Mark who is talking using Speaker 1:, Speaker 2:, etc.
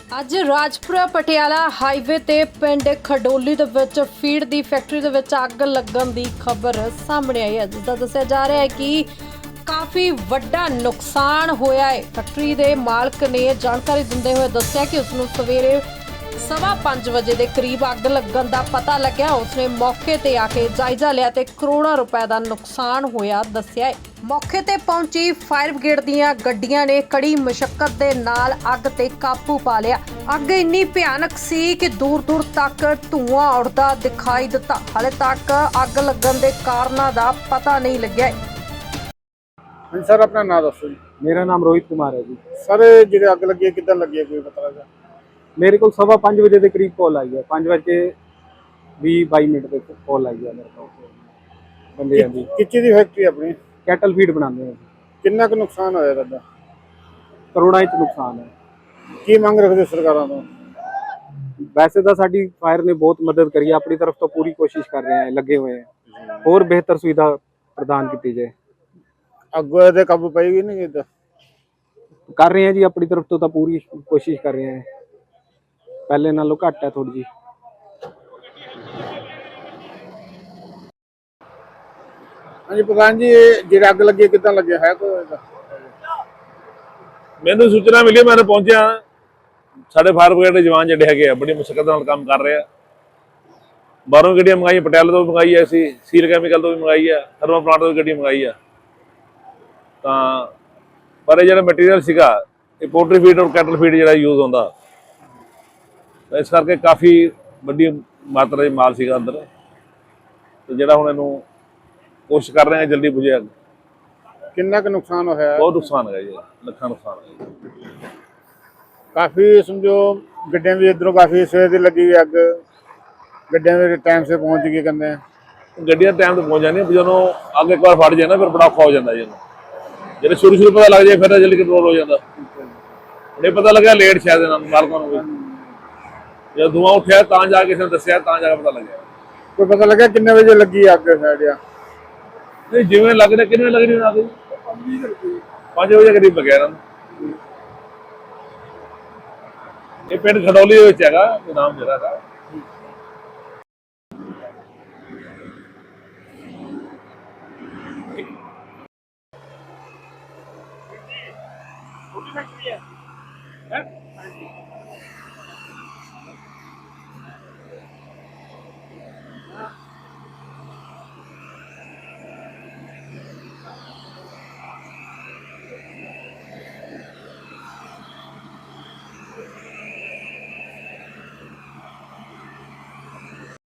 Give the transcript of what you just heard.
Speaker 1: ਅੱਜ ਰਾਜਪੁਰਾ ਪਟਿਆਲਾ ਹਾਈਵੇ ਤੇ ਪਿੰਡ ਖਡੋਲੀ ਦੇ ਵਿੱਚ ਫੀਡ ਦੀ ਫੈਕਟਰੀ ਦੇ ਵਿੱਚ ਅੱਗ ਲੱਗਣ ਦੀ ਖਬਰ ਸਾਹਮਣੇ ਆਈ ਹੈ, ਜਿਸ ਦਾ ਦੱਸਿਆ ਜਾ ਰਿਹਾ ਹੈ ਕਿ ਕਾਫੀ ਵੱਡਾ ਨੁਕਸਾਨ ਹੋਇਆ ਹੈ। ਫੈਕਟਰੀ ਦੇ ਮਾਲਕ ਨੇ ਜਾਣਕਾਰੀ ਦਿੰਦੇ ਹੋਏ ਦੱਸਿਆ ਕਿ ਉਸ ਨੂੰ ਸਵੇਰੇ 5:15 ਵਜੇ ਦੇ ਕਰੀਬ ਅੱਗ ਲੱਗਣ ਦਾ ਪਤਾ ਲੱਗਿਆ। ਉਸਨੇ ਮੌਕੇ ਤੇ ਆ ਕੇ ਜਾਇਜ਼ਾ ਲਿਆ ਤੇ ਕਰੋੜਾਂ ਰੁਪਏ ਦਾ ਨੁਕਸਾਨ ਹੋਇਆ ਦੱਸਿਆ ਹੈ। ਮੌਕੇ ਤੇ ਪਹੁੰਚੀ ਫਾਇਰ ਬ੍ਰਿਗੇਡ ਦੀਆਂ ਗੱਡੀਆਂ ਨੇ ਕੜੀ ਮੁਸ਼ੱਕਤ ਦੇ ਨਾਲ ਅੱਗ ਤੇ ਕਾਬੂ ਪਾ ਲਿਆ। ਅੱਗ ਇੰਨੀ ਭਿਆਨਕ ਸੀ ਕਿ ਦੂਰ-ਦੂਰ ਤੱਕ ਧੂੰਆਂ ਉੱਡਦਾ ਦਿਖਾਈ ਦਿੱਤਾ। ਹਾਲੇ ਤੱਕ ਅੱਗ ਲੱਗਣ ਦੇ ਕਾਰਨਾਂ ਦਾ ਪਤਾ ਨਹੀਂ ਲੱਗਿਆ।
Speaker 2: हाँ सर, अपना नाम दसो जी।
Speaker 3: मेरा नाम रोहित कुमार है जी।
Speaker 2: सर जो अग लगी है कितना लगी है कोई पता लगा?
Speaker 3: मेरे को 5:15 बजे के करीब कॉल आई है, 5:20-22 तक कॉल आई है मेरे को बंदे दी।
Speaker 2: किस चीज़ की फैक्ट्री अपनी?
Speaker 3: कैटल फीड बनाते हैं।
Speaker 2: कितना का नुकसान होया तुहाडा?
Speaker 3: करोड़ां च नुकसान है।
Speaker 2: की मंग रखते सरकारों तो?
Speaker 3: वैसे तो साडी फायर ने बहुत मदद करी है, अपनी तरफ तो पूरी कोशिश कर रहे हैं, लगे हुए हैं और बेहतर सुविधा प्रदान की जाए।
Speaker 2: अगो ते काबू पाएगी नहीं कितना?
Speaker 3: कर रहे हैं जी, अपनी तरफ तो पूरी कोशिश कर रहे हैं, पहले नालों घट है थोड़ी जी।
Speaker 2: हाँ जी प्रधान जी, जो अग लगी है कितना लगे है कोई?
Speaker 4: मैंने सूचना मिली, मैं पहुंचा। साढ़े फायर ब्रिगेड के जवान जोड़े है बड़ी मुश्किल काम कर रहे हैं। बाहरों गड्डियां मंगाई, पटियाले तो भी मंगाई है, असी सील कैमिकल तो भी मंगाई है, थर्मल प्लांट तो भी गड्डी मंगाई है। तो पर जो मटीरियल सीगा पोल्ट्री फीड और कैटल फीड जो यूज होता, इस करके काफ़ी वड्डी मात्रा माल सीगा अंदर। तो जो हम इनू कोशिश कर रहे हैं जल्दी बुझे अग।
Speaker 2: कितना का नुकसान होया?
Speaker 4: बहुत नुकसान है जी, लखा नुकसान है।
Speaker 2: काफ़ी समझो गड्डियां भी इधरों काफ़ी सवेर की लगी हुई अग, गड्डियां भी टाइम से पहुंच गई करने।
Speaker 4: गड्डियां टाइम से पहुंच जानी, जो अग एक बार फट जाए ना फिर बड़ा औखा हो जाता जी। जो शुरू पता लग जाए फिर जल्दी कंट्रोल हो जाता। नहीं पता लगा लेट शायद मालकों को, जब धुआं उठा तो जाके किसी ने दसिया, जाके पता लगे।
Speaker 2: कोई पता लगा कितने बजे लगी अग?
Speaker 4: नहीं जिमें लग रहा कितने लग रही अग? 5 बजे करीब लगे ये पिंड खडौली है नाम जरा।